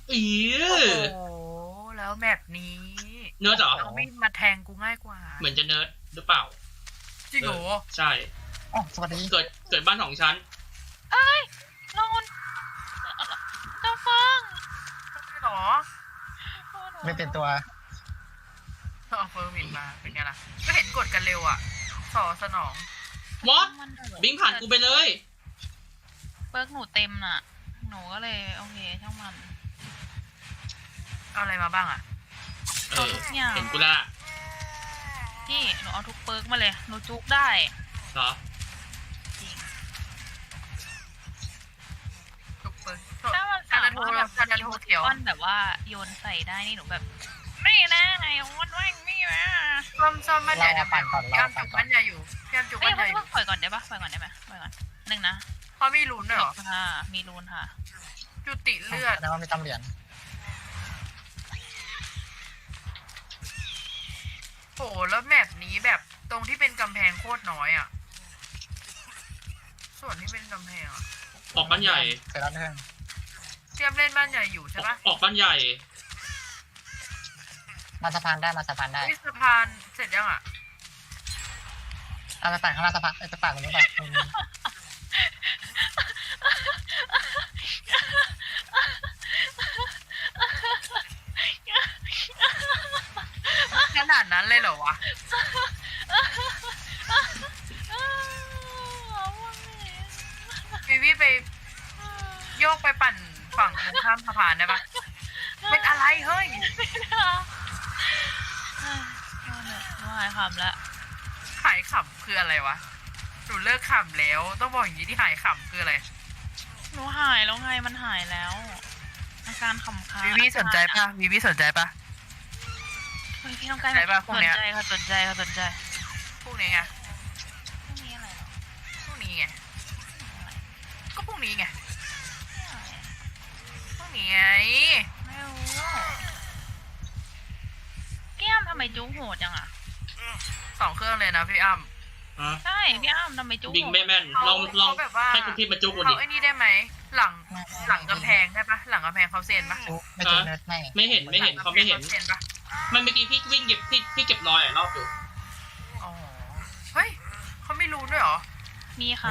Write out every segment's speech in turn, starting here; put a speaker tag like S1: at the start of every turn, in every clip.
S1: อี
S2: โอ้โหแล้วแบบนี้
S1: เนิร์ดเหรอ
S2: เอามีดมาแทงกูง่ายกว่า
S1: เหมือนจะเนิร์ดหรือเปล่า
S2: จริงเหรอ
S1: ใช่
S3: อ๋อสวัสดี
S1: เกิดบ้านของฉัน
S4: ลงเจ้าฟัง
S2: ใช่เหรอ
S3: ไม่เป็นตัว
S2: เอาเฟอร์มินมาเป็นไงล่ะก็เห็นกดกันเร็วอ่ะสอสนอง
S1: วอตบิงผ่านกูไปเลย
S4: เบิร์กหนูเต็มน่ะ หนูก็เลยโอเคช่างมัน
S2: เอาอะไรมาบ้างอ่ะ
S1: เออ
S4: ทุกอย่าง
S1: เห็นกูละ
S4: พี่หนูเอาทุกเบิร์กมาเลยหนูจุกได้
S1: เหรอ
S4: จริง
S2: ทุกเปิด
S4: ถ้ามัน
S2: คา
S4: สา
S2: ราโท
S4: มารถแบบ
S2: คาราโทเขียว
S4: ก้อนแบบว่าโยนใส่ได้นี่หนูแบบไม่นะไงวันแม่งไม่นะ
S2: ซ่อมบ้านใหญ่
S3: เราปั่นก่อนเรา
S2: ย่าม
S3: ปั่
S2: จุ
S3: น
S2: ก
S3: ก่อน
S2: บ้านใหญ่อยู่ย่ามจุก
S4: เอ้
S2: บ้าย นใหญ่อ
S4: เพิ่
S2: ยู่
S4: งปล่อยก่อนได้ปะปล่อยก่อนได้ไหมปล่อยก่อนหนึ่งนะ
S2: เพราะมีลุ้นด้วยเหรอ
S4: ค่ะมีรูนค่ะ
S2: จุติเลือด
S3: แล้วมีตำเหรียญ
S2: โหแล้วแมปนี้แบบตรงที่เป็นกำแพงโคตรน้อยอ่ะส่วนที่เป็นกำแพงอ่ะ
S1: ออกบ้านใหญ่
S3: เสร็จแล้วเพื่อน
S2: เทียบเล่นบ้านใหญ่อยู่ใช่ปะ
S1: ออกบ้านใหญ่
S3: มาสะพานได้มาสะพานได้
S2: วิสะพานเสร็จยังอ่ะ
S3: เอาไปปั่นข้างล่างสะพานไปปั่นตรงนี้ไป
S2: ขนาดนั้นเลยเหรอวะวิวิไปโยกไปปั่นฝั่งตรงข้ามสะพานได้ปะเป็นอะไรเฮ้ย
S4: ว่าหายคำแล้ว
S2: หายขำคืออะไรวะหนูเลิกขำแล้วต้องบอกอย่างนี้ที่หายขำคืออะไร
S4: หนูหายแล้วไงมันหายแล้วอาการขำค้าง
S2: วิวิสนใจปะวิวิสนใจปะ
S4: เฮ้ยพี่ต้องใกล้
S2: ไหนปะพวก
S4: สน
S2: เนี้ย
S4: ใจค่ะสนใจค่ะสนใจ
S2: พวกนี้ไง
S4: พรุ่งนี้อะไรหรอ
S2: พวกนี้ไงก็พวกนี้ไงพวกนี้ไง
S4: ไม่รู้แก้มทำไมจุ๊กโหดจังอ่ะ
S2: 2 เครื่องเลยนะพี่อ้ำ
S1: ฮะ
S4: ใช่พี่อ้ำทำไมจุ๊ก
S1: บิง
S4: โหด
S1: ไม่แม่น ลอง
S2: เขาแบบว่า
S1: ให้คุณพี่มาจุกกูดิ
S2: เขาไอ้นี่ได้ไหมหลังกำแพงได้ปะหลังกำแพงเขาเซ็นปะ
S3: จุ๊บไม่จุ๊บเนิร์ดไม่
S1: ไม่เห็นเขาไม่เห็น
S2: เซ็นปะ
S1: มันเมื่อกี้พี่วิ่งเก็บพี่เก็บรอยรอบอยู่
S2: อ๋อเฮ้ยเขาไม่รู้ด้วยเหรอ
S4: มีค่ะ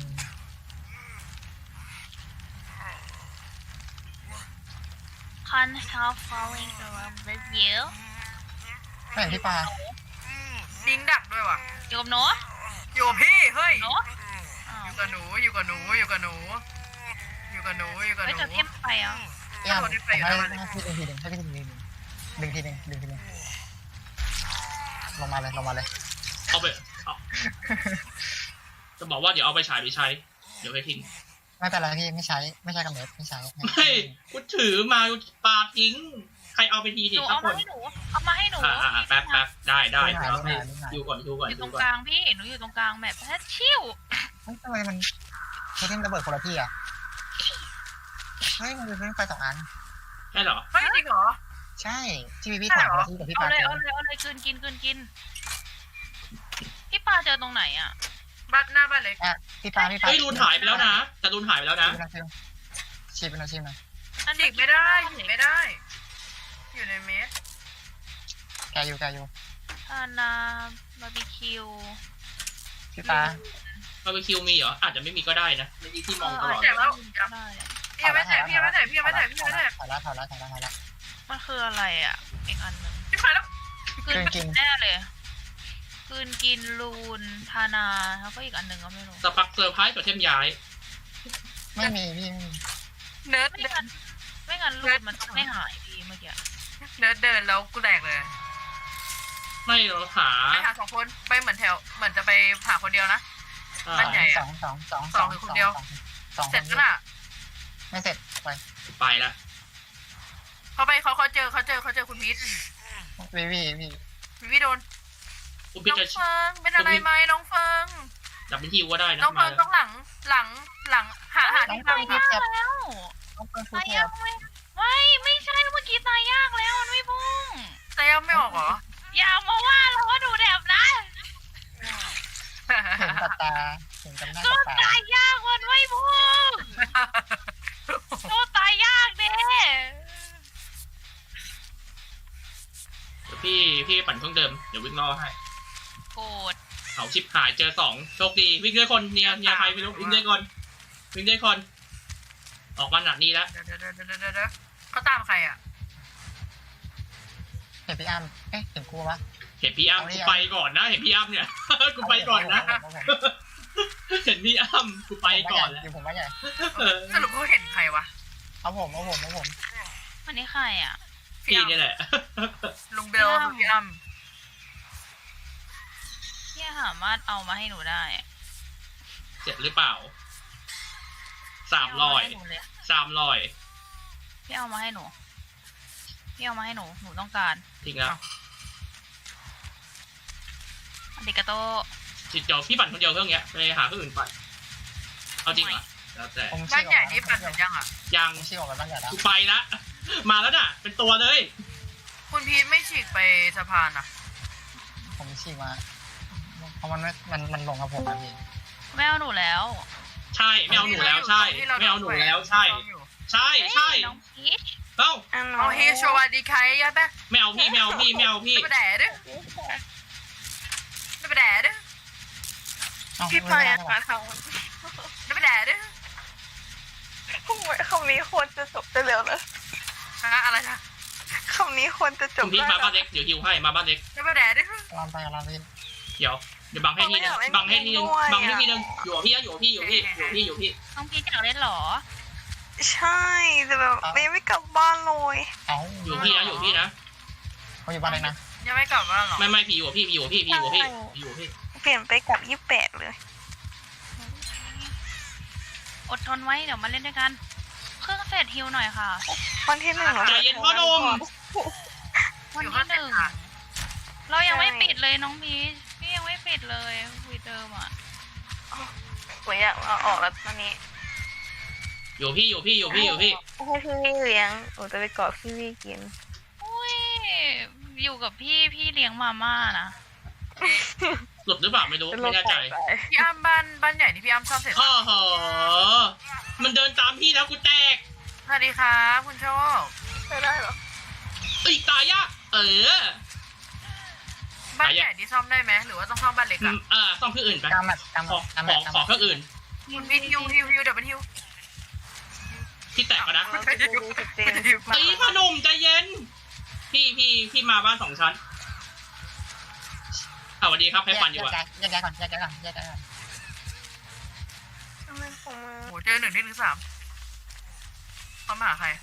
S4: Can't help falling in love with you
S3: ไม่เห็นพี่ปลา
S2: ดิ้งดักด้วยวะ
S4: อยู่กับหนู
S2: อยู่กับพี่เฮ้ย
S4: หนูอ้าว
S2: อยู่กับหนูอยู่กับหนูอยู่กับหนูอยู่กับหนูอยู่กับห
S4: เฮ้ย
S2: นู
S4: จะเทียมไปอ่ะ
S3: พี่อ้ำให้พี่ดึงทีหนึ่งให้พี่ดึงทีหนึ่งดึงทีหนึ่งดึงทีหนึ่งลงมาเลยลงมาเลย
S1: เอาไปเอาจะบอกว่าเดี๋ยวเอาไปฉายไปใช้ เดี๋ยวไปทิ้ง
S3: ไม่เป็นไรพี่ไม่ใช้ไม่ใช่กับเนิร์ดไม่ใช้
S1: เฮ้ยกูถือมาปาทิ้ง ใครเอาไปที
S4: ห
S1: สิ
S4: นู
S1: สั
S4: เอา
S1: กค
S4: มาน ให้หนูเอามาให้หนู
S1: แป๊บได้เดี๋ยวให้ดูก่อน
S4: อยู่
S1: ดู
S4: ตรง
S1: ก่อน
S4: กลางพี่หนูอยู่ตรงกลางแบบแค่ชิว
S3: ทำไมมันเทมระเบิดคนละที่อ่ะเฮ้ยมันเป็นไฟ2 อัน
S1: ใช่เหรอ
S2: เฮ้ยจริงเหรอ
S3: ใช่ที่พี่ถามคนละที่กับพี่
S4: เอา
S3: ปลา
S4: เลย
S3: เจอ
S4: เอาเลยกลืนกินพี่ปลาเจอตรงไหนอ่ะ
S2: บ้านหน้าบ้านเล็ก
S3: อ่ะพี่ปลา
S1: เฮ้ยรูนหายไปแล้วนะ แต่รูนหายไปแล้วนะ
S3: ชีเป็นอาชีพนะ
S2: ฉีกไม่ได้ฉีกไม่ได้ อยู่ในเมส
S3: แกอยู่
S4: อานาบาร์บีคิว
S3: พี่ปลา
S1: บาร์บีคิวมีเหรอ อาจจะไม่มีก็ได้นะไม่มีที่มองตลอด
S4: แต่ว่าได้
S2: พี่ยังไม่แตะพี่ยังไม่แตะพี่ยังไม่แตะพี่ยังไม่แตะ
S3: ถอยละ
S4: มันคืออะไรอ่ะอีกอันหนึ่ง
S2: พี่มาแล้ว
S4: กลืนกินแน่เลยกลืนกินลูนทานาแล้วก็อีกอันหนึ่งก็ไม่รู้
S1: สปักเซอร์ไพรส์ตัวเทมย้าย
S3: ไม่มีพี่
S2: เนิร์ด
S4: ไม่งั้นลูนมันต้องไม่หายพี่เมื่อกี้
S2: เนิร์ดเดินแล้วกูแตกเลย
S1: ไม่เราหา
S2: ไปหา2 คนไปเหมือนแถวเหมือนจะไปหาคนเดียวนะ
S1: อ่า
S2: บ้านใหญ่
S3: สอง
S2: เสร็จแล้วน่ะ
S3: ไม่เสร็จไป
S1: ไปละ
S2: เขาเจอคุณพีท
S3: วี
S2: วิโดน
S1: คุณ
S2: น้
S1: พี่
S2: อง
S1: จะ
S2: เฟิงเป็นอะไรไหมน้องเฟิง
S1: จับเป็นที่ก็ได้นะ
S2: น้องเฟิ
S1: มาง
S2: ต้องหลังหาที่
S4: ตายยากแล้ว
S3: ต้องเปิดฟู
S4: ตาย
S3: เที
S4: ยาย กไม่ใช่เมื่อกี้ตายยากแล้วมันไม่พุ่ง
S2: แต่ยังไม่ออกเหรอ
S4: อย่ามาว่าเราว่าดูแดบนะ
S3: เห็นกับตาเห็นกับหน้า
S4: ก็
S3: กับตา
S4: ตายยากมันไม่พุ่งก็ตายยากเด้
S1: พี่ปั่นเครื่องเดิมเดี๋ยววิ่งรอให้
S4: โกรธ
S1: เอาชิปหายเจอ2โชคดีวิ่งด้วยคนเนี่ยใครไม่รู้วิ่งด้วยคนวิ่งด้วยคนออกมาหนักนี้แล้ว
S2: เดี๋ยวเขาตามใครอ่ะ
S3: เห็นพี่อ้ำเอ๊ะเห็นกูปะ
S1: เห็นพี่อ้ำกูไปก่อนนะเห็นพี่อ้ำเนี่ย กูไปก่อนนะ เห็นพี่อ้ำกูไปก่อนแล้ว
S3: อยู่ผมว่าใหญ่
S2: สรุปเขาเห็นใครวะ
S3: เอาผม
S4: อันนี้ใครอ่ะ
S1: พี่นี่แหละ
S2: ลุงเบลกับพี่อ้ำ
S4: พี่สามารถเอามาให้หนูได้อะ
S1: เจ็ดหรือเปล่า300
S4: พี่เอามาให้หนูพี่เอามาให้หนูหนูต้องการ
S1: ทิ้งแล้ว
S4: อันดิกาโต
S1: จิตเดียวพี่ปั่นคนเดียวเครื่องเนี้ยไปหาเครื่องอื่นปั่นเอาจริงเหรอแล้วแต่
S3: ผม
S2: บ้านใหญ่นี่ปั่นเสร็จยังอ่ะ
S1: ยัง
S3: ผมชี้ออกไปบ้านใหญ่แล้ว
S1: กูไปละมาแล้วน่ะ เป็นตัวเลย
S2: คุณพีทไม่ฉีกไปสะพานอ่ะ
S3: ผมชี้มาเพราะมันลงกับผมนะพี่
S4: ไม่เอาหนูแล้ว
S1: ใช่ไม่เอาหนูแล้วใช่ไม่เอาหนูแล้วใช่ใช่ใช่
S4: น้องพีช
S1: เอ้า
S2: เอาเฮโชวาดีใครยะแป๊ะ
S1: ไม่เอาพี่ไม่เอาพี่ไม่เอาพี่
S2: ไม่ไปแดดด้วยไม่ไปแดดด้วย
S5: พี่ปายอะคะท
S2: ไม่ไปแดดด้วย
S5: ำคำนี้ควรจะจบได้แล้วนะ
S2: ฮะอะไรนะ
S5: คำนี้ควรจะจ
S1: คุ
S5: บ
S1: ณพี่
S5: ได้
S1: มา
S5: แล้
S1: บ้า
S5: วน
S1: เล็กเดี๋ยวฮิวให้มาบ้านเล็ก
S2: ไม่ไปแดดด้วย
S3: ลองไปพี่
S1: เดี๋ยวบังให้ทีนึงบังให้ทีนึงบังให้ทีนึงอยู่กับพี่นะอยู่กับพี่อยู่กับพี่อยู่กับพี่อยู่กับพี่
S4: น้องพีชอยากเล่นเหรอ
S5: ใช่แต่แบบไม่กลับบ้านเลย
S3: เอา
S1: อยู่กับพี่นะอยู่กับพี่นะ
S3: เขาอยู่บ้านเลยนะ
S2: ยังไม่กลับบ้านหรอ
S1: ไม่พี่อยู่กับพี่พี่อยู่กับพี่พี่อยู่กับพี่พี่อยู่กับพี่
S5: เปลี่ยนไปกับ28เลย
S4: อดทนไว้เดี๋ยวมาเล่นด้วยกัน เครื่องเสร็จฮิวหน่อยค่ะ
S5: วันที่1เรา
S1: ใจเย็นพ่อหนุ่ม
S4: วันที่หนึ่งเรายังไม่ปิดเลยน้องพีชพี่ยังไม่ปิดเลยวีเดิมอ่ะ
S5: ผมอยากเอาออกแล้วตอนนี้
S1: อยู่กับพี่อยู่กับพี่อยู่กับพี่อยู่กับพี่
S5: ให้พี่วี่เลี้ยงผมจะไปกอดพี่วี่กิน
S4: อุ้ยอยู่กับพี่เลี้ยงมาม่านะ
S1: หลุดหรือเปล่าไม่รู้ไม่แน่ใจ
S2: พี่อ้ำบ้านใหญ่นี่พี่อ้ำซ่อมเสร็จ
S1: โอ้โหมันเดินตามพี่แล้วกูแตก
S2: สวัสดีครับคุณโชค
S5: ไม่ได้หรอ
S1: อีกตายยาก
S2: บ้านใหญ่นี่ซ่อมได้ไหมหรือว่าต้องซ่อมบ้านเล็กอ่ะ
S1: ซ่อมเครื่องอื่นไป
S3: กำมัด
S1: ขอเครื่องอื่น
S2: คุณพีทฮิวเดี๋ยวมันฮิว
S1: ที่แตกก็นะ
S5: เราจะดูสเตน
S1: ตีพ่อหนุ่มใจเย็น พี่มาบ้าน2 ชั้นสวัสดีครับใครปั่นอยู่อะ
S3: แยกก่อน
S5: ทำไมของมือ
S2: โหเจอ1ที่3เขามาหาใคร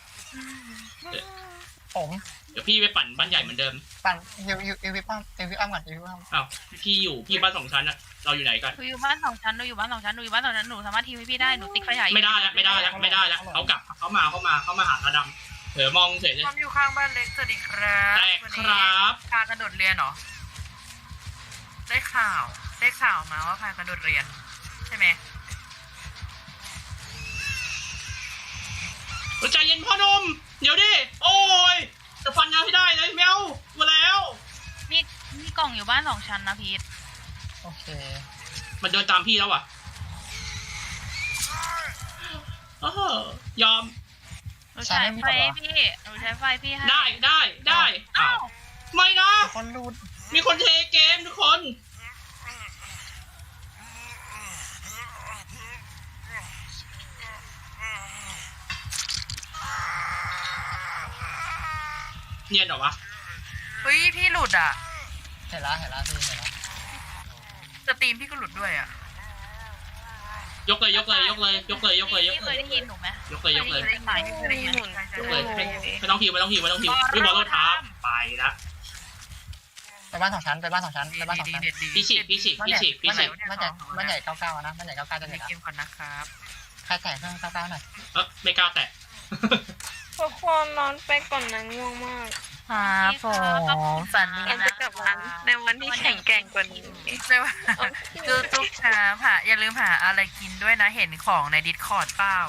S3: ผม
S1: เดี๋ยวพี่ไปปั่นบ้านใหญ่เหมือนเดิม
S3: ปั่นวิป้อมก่อนวิป้อม
S1: อ้าวพี่บ้าน2 ชั้นอะเราอยู่ไหนกัน
S4: หนูอยู่บ้านสองชั้นหนูสามารถทีมให้พี่ได้หนูติ๊กไฟฉาย
S1: ไม่ได้แล้วเขากลับเขามาหาตาดำเผลอมองเฉยเลย
S2: ซ่อมอยู่ข้างบ้านเล็กสวัสดีครับ
S1: แตกครับ
S2: พากระโดดเรียนเหรอได้ข่าวมาว่าพากระโดดเรียนใช่ไหม
S1: ใจเย็นพ่อหนุ่มเดี๋ยวดิโอ้ยจะฟันยาให้ได้เลยแมวมาแล้ว
S4: มีกล่องอยู่บ้าน2 ชั้นนะพีท
S3: โอเค
S1: มันเดินตามพี่แล้วอ่ะยอม
S4: หนูใช้ไฟพี่ให้
S1: ได้อ้าวไม่นะ
S3: คนรูด
S1: มีคนเทเกมทุกคน เนียนเหรอวะ
S2: เฮ้ยพี่หลุดอ่ะ
S3: เห็นแล้วพี่เห็นแล้ว
S2: สตรีมพี่ก็หลุดด้วยอ่ะ
S1: ยกเลย
S4: พี่เคยได้ยินหนูไหม
S1: ยกเลย
S2: ได้ยิน
S5: หมุน
S1: ยกเลยไม่ต้องพิวพี่บอลโลท้าไปละ
S3: ไปบ้าน2 ชั้น
S2: ดี
S1: พี่ฉีก
S3: บ้านใหญ่99นะบ้านใหญ่99จะ
S2: ใน
S3: เห็น
S2: เกมก่อนนะครับ
S3: ใครแตะเครื่อง99หน่อย
S1: ไม่กล้าแตะ
S5: ทุกคนนอนไปก่อนนะง่วงมาก
S2: ครับผมฝันดี
S5: เรา
S2: นะ
S5: จะกลับบ้านในวันที่แข็งแกร่งกว่านี้
S2: ใช่ไหมทุกๆเช้าอย่าลืมหาอะไรกินด้วยนะเห็นของในดิสคอร์ดเปล่า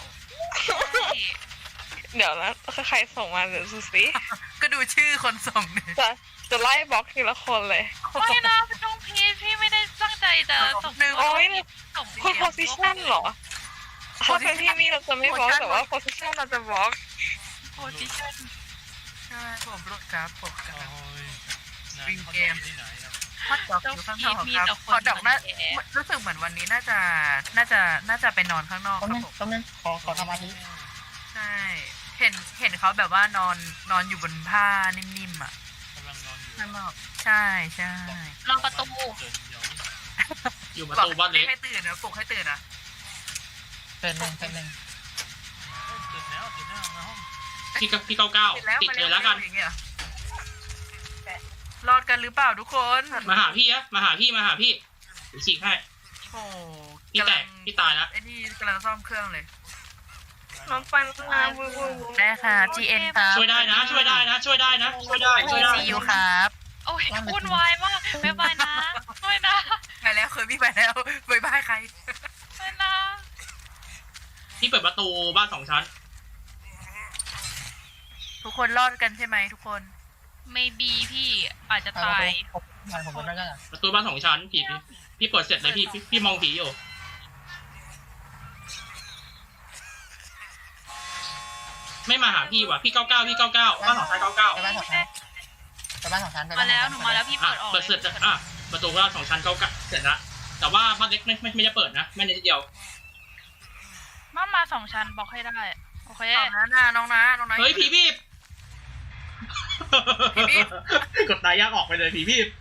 S5: เดี๋ยวนะใครส่งมาเดี๋ยวดูสิ
S2: ก็ดูชื่อคนส่งดิ
S5: จะไล่บล็อกทีละคนเลย
S4: ไม่นะน้องพีทพี่ไม่ได้ตั้งใจจะส่ง
S5: โอ้ย
S4: ส่ง
S5: คุณโพสิชันเหรอถ้าเป็นที่นี่เราจะไม่บล็อกแต่ว่าโพสิชันเราจะบล็อก
S4: โพสิชั่น
S2: ใช่ผมรู้ครับผมครับวิงเกมฮอตดอกอยู่ข้างนอกครับฮอตดอกน่ารู้สึกเหมือนวันนี้น่าจะไปนอนข้างนอก
S3: ต้
S2: ค
S3: ม
S2: รับ
S3: นึง
S2: ผม
S3: ต้มนึงขอทำอาทิตย์
S2: ใช่เห็นเขาแบบว่านอนอยู่บนผ้านิ่มๆอ่ะ
S6: กำลังนอนอยู่
S2: ข้างนอกใช่ใช่
S4: รอประตู
S6: เดินเดียว
S1: อยู่ประตูบ้านเล็ก
S2: ให้ตื่นนะปลุกให้ตื่นนะ
S3: เป็นหนึ่ง
S6: ตื่นแล้วมาห้อง
S1: พี่เก้าเก้า
S2: ติดแล้ว
S1: ติด
S2: มา
S1: เล
S2: เร็
S1: ยว แล้วกัน
S2: อย่างเงี้ยรอดกันหรือเปล่าทุกคน
S1: มาหาพี่อะมาหาพี่เดี๋ยวฉีกให้
S2: โอ้
S1: พี่แตกพี่ตายแล้ว
S2: ไอ้นี่กำลังซ่อมเครื่องเลย
S5: น้องปันมาวูวู
S2: ได้ค่ะ GN ครับ
S1: ช่วยได้นะ ช่วยได้
S2: CU ครับ
S4: โอ้ยวุ่นวายมากบ๊ายบายนะไม่นะ
S2: ไปแล้วเคยวิ่งไปแล้วบายบายใคร
S4: ไม่นะ
S1: พี่เปิดประตูบ้าน2 ชั้น
S2: ทุกคนรอดกันใช่ไหมทุกคน
S4: ไม่บีพี่อาจจะตาย
S3: ผมเป็นไม่ได้
S1: ประตูบ้าน2 ชั้นพี่เปิดเสร็จเลยพี่มองผีอยู่ ไม่มาหาพี่ว่ะพี่เก้าเก้าบ้าน2 ชั้น99
S3: ไปบ้านสองชั้นไปบ้านสองชั้น
S4: มาแล้วหนูมาแล้วพี่
S1: อ่ะ
S4: เปิดออก
S1: เปิดเสร็จอ่ะประตูบ้าน2 ชั้น99เสร็จละแต่ว่าบ้านเล็กไม่ได้เปิดนะไม่ได้ทีเดียว
S4: มา2 ชั้นบอกให้ได้โอเค
S2: น้องนะ
S1: เฮ้ยผีบีบ
S2: ผีบีบ
S1: กดตายยากออกไปเลยผีบีบ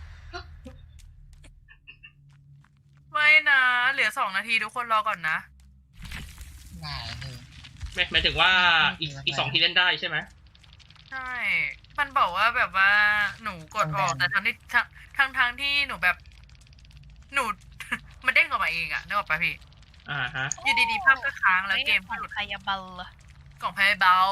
S2: ไม่นะเหลือ2 นาทีทุกคนรอก่อนนะ
S3: ง่ายเลย
S1: หมายถึงว่าอีก2 ทีเล่นได้ใช่ไหม
S2: ใช่ มันบอกว่าแบบว่าหนูกดออกแต่ทั้งที่หนูแบบ หนู มันเด้งออกมาเองอะนึกออกปะพี่
S1: ฮะ
S2: อยู่ดีๆภาพก็ค้างแล้วเกมก็หลุด
S4: พยาบาล
S2: กล่องไพ่เบา